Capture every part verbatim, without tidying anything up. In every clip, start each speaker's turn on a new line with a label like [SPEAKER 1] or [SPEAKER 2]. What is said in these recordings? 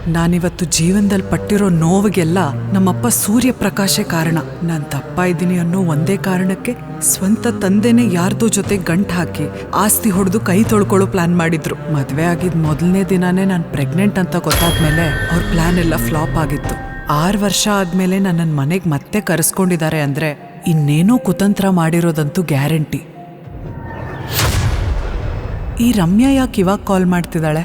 [SPEAKER 1] ನಾನಿವತ್ತು ಜೀವನದಲ್ಲಿ ಪಟ್ಟಿರೋ ನೋವಿಗೆಲ್ಲ ನಮ್ಮಪ್ಪ ಸೂರ್ಯಪ್ರಕಾಶೇ ಕಾರಣ. ನಾನು ತಪ್ಪ ಇದ್ದೀನಿ ಅನ್ನೋ ಒಂದೇ ಕಾರಣಕ್ಕೆ ಸ್ವಂತ ತಂದೆನೇ ಯಾರ್ದೋ ಜೊತೆ ಗಂಟು ಹಾಕಿ ಆಸ್ತಿ ಹೊಡೆದು ಕೈ ತೊಳ್ಕೊಳ್ಳೋ ಪ್ಲಾನ್ ಮಾಡಿದ್ರು. ಮದುವೆ ಆಗಿದ್ ಮೊದಲನೇ ದಿನಾನೇ ನಾನು ಪ್ರೆಗ್ನೆಂಟ್ ಅಂತ ಗೊತ್ತಾದ್ಮೇಲೆ ಅವ್ರ ಪ್ಲಾನ್ ಎಲ್ಲ ಫ್ಲಾಪ್ ಆಗಿತ್ತು. ಆರು ವರ್ಷ ಆದ್ಮೇಲೆ ನನ್ನನ್ನು ಮನೆಗೆ ಮತ್ತೆ ಕರೆಸ್ಕೊಂಡಿದ್ದಾರೆ ಅಂದ್ರೆ ಇನ್ನೇನೋ ಕುತಂತ್ರ ಮಾಡಿರೋದಂತೂ ಗ್ಯಾರಂಟಿ. ಈ ರಮ್ಯಾ ಯಾಕೆ ಇವಾಗ ಕಾಲ್ ಮಾಡ್ತಿದ್ದಾಳೆ?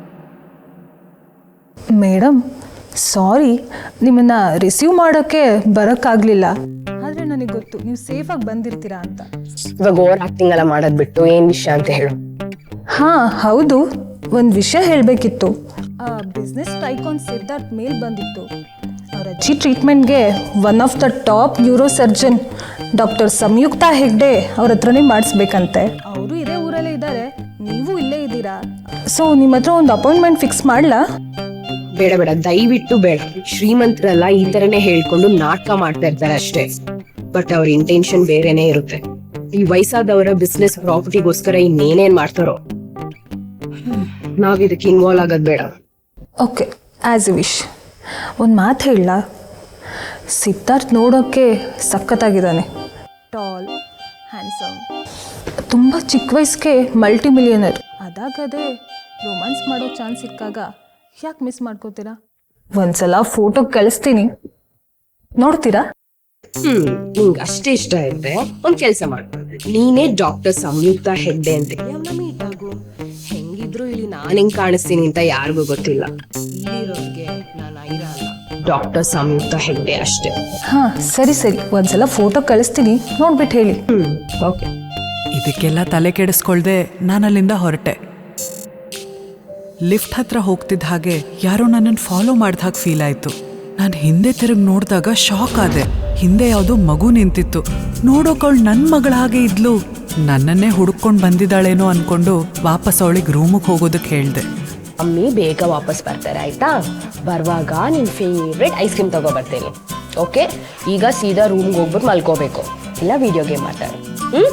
[SPEAKER 2] ಮೇಡಮ್ ಸಾರಿ, ನಿಮ್ಮನ್ನು ರಿಸೀವ್ ಮಾಡೋಕ್ಕೆ ಬರೋಕ್ಕಾಗಲಿಲ್ಲ. ಆದರೆ ನನಗೆ ಗೊತ್ತು ನೀವು ಸೇಫಾಗಿ ಬಂದಿರ್ತೀರಾ ಅಂತ.
[SPEAKER 3] ಇವಾಗ ಓವರ್ ಆಕ್ಟಿಂಗ್ ಎಲ್ಲ ಮಾಡೋದು ಬಿಟ್ಟು ಏನು ವಿಷಯ ಅಂತ ಹೇಳು.
[SPEAKER 2] ಹಾಂ ಹೌದು, ಒಂದು ವಿಷಯ ಹೇಳಬೇಕಿತ್ತು. ಆ ಬಿಸ್ನೆಸ್ ಟೈಕಾನ್ ಸಿದ್ಧಾರ್ಥ್ ಮೇಲ್ ಬಂದಿತ್ತು. ಅವ್ರ ಅಜ್ಜಿ ಟ್ರೀಟ್ಮೆಂಟ್ಗೆ one of the top neuro surgeon doctor Samyukta Hegde ಅವ್ರ ಹತ್ರನೇ ಮಾಡಿಸ್ಬೇಕಂತೆ. ಅವರು ಇದೇ ಊರಲ್ಲೇ ಇದ್ದಾರೆ, ನೀವು ಇಲ್ಲೇ ಇದ್ದೀರಾ. ಸೊ ನಿಮ್ಮ ಹತ್ರ ಒಂದು ಅಪಾಯಿಂಟ್ಮೆಂಟ್ ಫಿಕ್ಸ್ ಮಾಡಲಾ?
[SPEAKER 3] ಬೇಡ ಬೇಡ, ದಯವಿಟ್ಟು ಬೇಡ. ಶ್ರೀಮಂತರೆಲ್ಲ ಈ ತರನೇ ಹೇಳ್ಕೊಂಡು ನಾಟಕ ಮಾಡ್ತಾ ಇರ್ತಾರೆ ಅಷ್ಟೇ. ಬಟ್ ಅವ್ರ ಇಂಟೆನ್ಷನ್ ಬೇರೆನೇ ಇರುತ್ತೆ. ಈ ವಯಸ್ಸಾದವರ ಬಿಸ್ನೆಸ್ ಪ್ರಾಪರ್ಟಿಗೋಸ್ಕರ ಇನ್ನೇನೇನ್ ಮಾಡ್ತಾರೋ. ನಾವ್ ಇದಕ್ಕೆ ಇನ್ವಾಲ್ವ್ ಆಗೋದ್ ಬೇಡ.
[SPEAKER 2] Okay, as a wish. ಒಂದು ಮಾತು ಹೇಳಲ್ಲ, ಸಿದ್ಧಾರ್ಥ್ ನೋಡೋಕ್ಕೆ ಸಖತ್ತಾಗಿದ್ದಾನೆ. ಟಾಲ್, ಹ್ಯಾಂಡ್ಸಮ್, ತುಂಬ ಚಿಕ್ಕ ವಯಸ್ಸಿಗೆ ಮಲ್ಟಿ ಮಿಲಿಯನರ್. ಅದಾಗದೇ ರೊಮ್ಯಾನ್ಸ್ ಮಾಡೋ ಚಾನ್ಸ್ ಸಿಕ್ಕಾಗ ಯಾಕೆ ಮಿಸ್ ಮಾಡ್ಕೋತೀರಾ? ಒಂದ್ಸಲ ಫೋಟೋ ಕಳಿಸ್ತೀನಿ, ನೋಡ್ತೀರಾ?
[SPEAKER 3] ಹ್ಮ್ ನಿಂಗೆ ಅಷ್ಟೇ ಇಷ್ಟ ಇರುತ್ತೆ, ಒಂದ್ ಕೆಲ್ಸ ಮಾಡು. ನೀನೇ ಡಾಕ್ಟರ್ ಸಂಯುಕ್ತ ಹೆಗ್ಡೆ ಅಂತ ಮೀಟ್ ಆಗು. ಹೆಂಗಿದ್ರು ಇಲ್ಲಿ ನಾನ್ ಹೆಂಗ್ ಕಾಣಿಸ್ತೀನಿ ಅಂತ ಯಾರಿಗೂ ಗೊತ್ತಿಲ್ಲ. ಇಲ್ಲಿರೋರ್ಗೆ ನಾನು ಐರಾ ಅಲ್ಲ, ಡಾಕ್ಟರ್ ಸಂಯುಕ್ತ ಹೆಗ್ಡೆ ಅಷ್ಟೇ.
[SPEAKER 2] ಹಾ ಸರಿ ಸರಿ, ಒಂದ್ಸಲ ಫೋಟೋ ಕಳಿಸ್ತೀನಿ, ನೋಡ್ಬಿಟ್ಟು ಹೇಳಿ.
[SPEAKER 3] Hmm okay.
[SPEAKER 1] ಇದಕ್ಕೆಲ್ಲ ತಲೆ ಕೆಡಿಸ್ಕೊಳ್ದೆ ನಾನಲ್ಲಿಂದ ಹೊರಟೆ. ಲಿಫ್ಟ್ ಹತ್ರ ಹೋಗ್ತಿದ್ದ ಹಾಗೆ ಯಾರೋ ನನ್ನನ್ನು ಫಾಲೋ ಮಾಡಿದ ಹಾಗೆ ಫೀಲ್ ಆಯಿತು. ನಾನು ಹಿಂದೆ ತಿರುಗಿ ನೋಡಿದಾಗ ಶಾಕ್ ಆದೆ. ಹಿಂದೆ ಯಾವುದೋ ಮಗು ನಿಂತಿತ್ತು. ನೋಡೋಕವಳು ನನ್ನ ಮಗಳ ಹಾಗೆ ಇದ್ಲು. ನನ್ನನ್ನೇ ಹುಡುಕೊಂಡು ಬಂದಿದ್ದಾಳೇನೋ ಅನ್ಕೊಂಡು ವಾಪಸ್ ಅವಳಿಗೆ ರೂಮಿಗೆ ಹೋಗೋದಕ್ಕೆ ಹೇಳಿದೆ.
[SPEAKER 3] ಅಮ್ಮಿ ಬೇಗ ವಾಪಸ್ ಬರ್ತಾರೆ ಆಯ್ತಾ? ಬರುವಾಗ ನಿನ್ ಫೇವ್ರೆಟ್ ಐಸ್ ಕ್ರೀಮ್ ತಗೋ ಬರ್ತೇನೆ. ಓಕೆ, ಈಗ ಸೀದಾ ರೂಮ್ಗೆ ಹೋಗ್ಬಿಟ್ಟು ಮಲ್ಕೋಬೇಕು, ಇಲ್ಲ ವಿಡಿಯೋ ಗೇಮ್ ಮಾಡ್ತಾರೆ. ಹ್ಮ್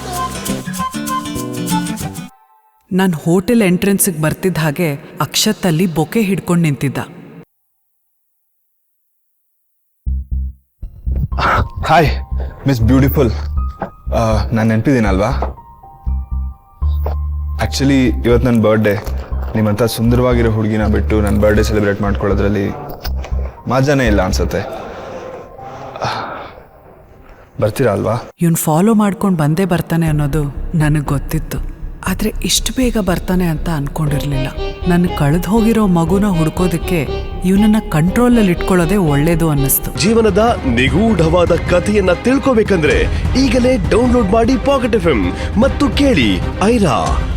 [SPEAKER 1] ನಾನು ಹೋಟೆಲ್ ಎಂಟ್ರೆನ್ಸಿಗೆ ಬರ್ತಿದ್ದ ಹಾಗೆ ಅಕ್ಷತಲ್ಲಿ ಬೊಕೆ ಹಿಡ್ಕೊಂಡು ನಿಂತಿದ್ದ.
[SPEAKER 4] ಹಾಯ್ ಮಿಸ್ ಬ್ಯೂಟಿಫುಲ್, ನಾನು ನೆನಪಿದ್ದೀನಲ್ವಾ? ಆ್ಯಕ್ಚುಲಿ ಇವತ್ತು ನನ್ನ ಬರ್ಡೇ. ನಿಮ್ಮಂಥ ಸುಂದರವಾಗಿರೋ ಹುಡುಗಿನ ಬಿಟ್ಟು ನನ್ನ ಬರ್ಡೇ ಸೆಲೆಬ್ರೇಟ್ ಮಾಡ್ಕೊಳ್ಳೋದ್ರಲ್ಲಿ ಮಜಾನೇ ಇಲ್ಲ ಅನ್ಸುತ್ತೆ. ಬರ್ತೀರಾ ಅಲ್ವಾ?
[SPEAKER 1] ಇವನು ಫಾಲೋ ಮಾಡ್ಕೊಂಡು ಬಂದೇ ಬರ್ತಾನೆ ಅನ್ನೋದು ನನಗೆ ಗೊತ್ತಿತ್ತು. ಆದರೆ ಇಷ್ಟು ಬೇಗ ಬರ್ತಾನೆ ಅಂತ ಅನ್ಕೊಂಡಿರ್ಲಿಲ್ಲ. ನನ್ನ ಕಳೆದು ಹೋಗಿರೋ ಮಗುನ ಹುಡ್ಕೋದಕ್ಕೆ ಇವನನ್ನ ಕಂಟ್ರೋಲಲ್ಲಿ ಇಟ್ಕೊಳ್ಳೋದೇ ಒಳ್ಳೇದು ಅನ್ನಿಸ್ತು.
[SPEAKER 5] ಜೀವನದ ನಿಗೂಢವಾದ ಕಥೆಯನ್ನ ತಿಳ್ಕೋಬೇಕಂದ್ರೆ ಈಗಲೇ ಡೌನ್ಲೋಡ್ ಮಾಡಿ ಪಾಕೆಟ್ ಎಫ್ ಎಂ ಮತ್ತು ಕೇಳಿ ಐರಾ.